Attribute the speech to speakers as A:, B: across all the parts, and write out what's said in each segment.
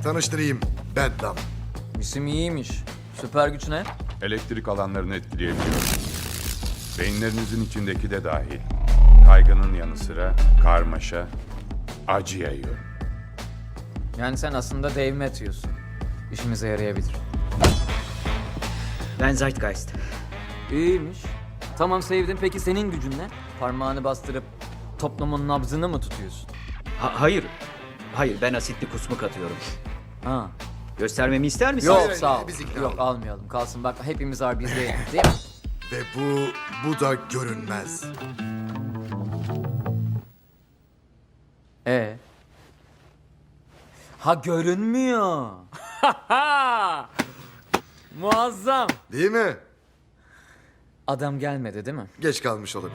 A: Tanıştırayım. Bedlam.
B: İsim iyiymiş. Süper güç ne?
C: Elektrik alanlarını etkileyebiliyor. Beyinlerinizin içindeki de dahil. Kaygının yanı sıra karmaşa, acı yayıyor.
B: Yani sen aslında Dave Matthews'sun. İşimize yarayabilir.
D: Ben Zeitgeist.
B: İyiymiş. Tamam sevdim. Peki senin gücün ne? Parmağını bastırıp toplumun nabzını mı tutuyorsun?
D: Hayır. Hayır, ben asitli kusmuk atıyorum.
B: Ha.
D: Göstermemi ister misin?
B: Yok
A: hayır,
B: sağ ol.
A: biz ikna
B: Yok
A: olduk.
B: almayalım. Kalsın bak hepimiz var biz değil. Değil mi?
A: Ve bu da görünmez.
B: Ha görünmüyor. Muazzam.
A: Değil mi?
B: Adam gelmedi değil mi?
A: Geç kalmış olabilir.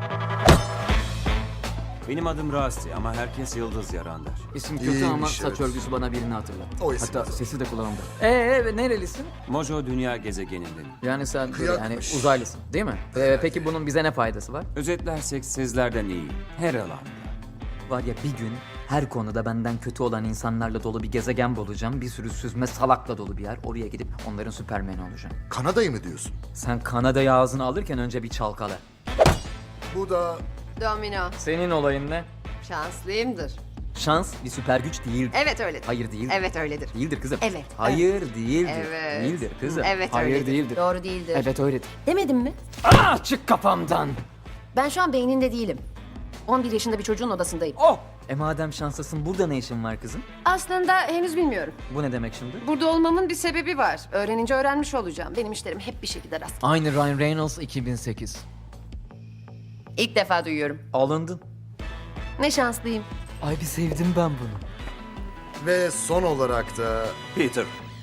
E: Benim adım Rasti ama herkes Yıldız Yaran der.
B: İsim kötü
A: İyiymiş,
B: ama saç
A: evet.
B: örgüsü bana birini hatırlattı.
A: O isim
B: Hatta
A: o zaman.
B: sesi de kulağımda. Nerelisin?
E: Mojo dünya gezegeninden.
B: Yani sen böyle
A: Kıyakmış.
B: hani uzaylısın değil mi? Peki bunun bize ne faydası var?
E: Özetlersek sizlerden iyi. Her alanda.
B: Var ya bir gün her konuda benden kötü olan insanlarla dolu bir gezegen bulacağım. Bir sürü süzme salakla dolu bir yer. Oraya gidip onların süpermeni olacağım.
A: Kanada'yı mı diyorsun?
B: Sen Kanada'yı ağzına alırken önce bir çalkala.
A: Bu da
F: Domino.
B: Senin olayın ne?
F: Şanslıyımdır.
B: Şans bir süper güç değildir.
F: Evet öyledir.
B: Hayır değil.
F: Evet öyledir.
B: Değildir kızım.
F: Evet,
B: Hayır değildir.
F: Evet.
B: Değildir kızım.
F: Evet
B: Hayır
F: öyledir.
B: değildir.
F: Doğru değildir.
B: Evet öyledir.
F: Demedim mi?
B: Çık kafamdan.
F: Ben şu an beyninde değilim. 11 yaşında bir çocuğun odasındayım.
B: Oh! Madem şanslısın burada ne işin var kızım?
F: Aslında henüz bilmiyorum.
B: Bu ne demek şimdi?
F: Burada olmamın bir sebebi var. Öğrenince öğrenmiş olacağım. Benim işlerim hep bir şekilde rast.
B: Aynı Ryan Reynolds 2008.
F: İlk defa duyuyorum.
B: Alındın.
F: Ne şanslıyım.
B: Ay bir sevdim ben bunu.
A: ve son olarak da
E: Peter.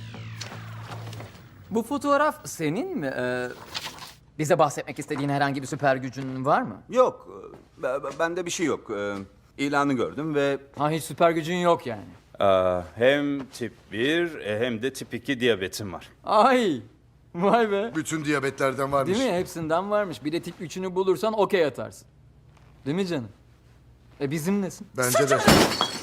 B: Bu fotoğraf senin mi? Bize bahsetmek istediğin herhangi bir süper gücün var mı?
G: Yok, bende bir şey yok. İlanı gördüm ve
B: Ha hiç süper gücün yok yani.
H: Hem tip 1 hem de tip 2 diyabetim var.
B: Ay! Vay be.
A: bütün diyabetlerden varmış.
B: Değil mi? Hepsinden varmış. Bir de tip 3'ünü bulursan okey atarsın. Değil mi canım? Bizimlesin.
A: Bence de.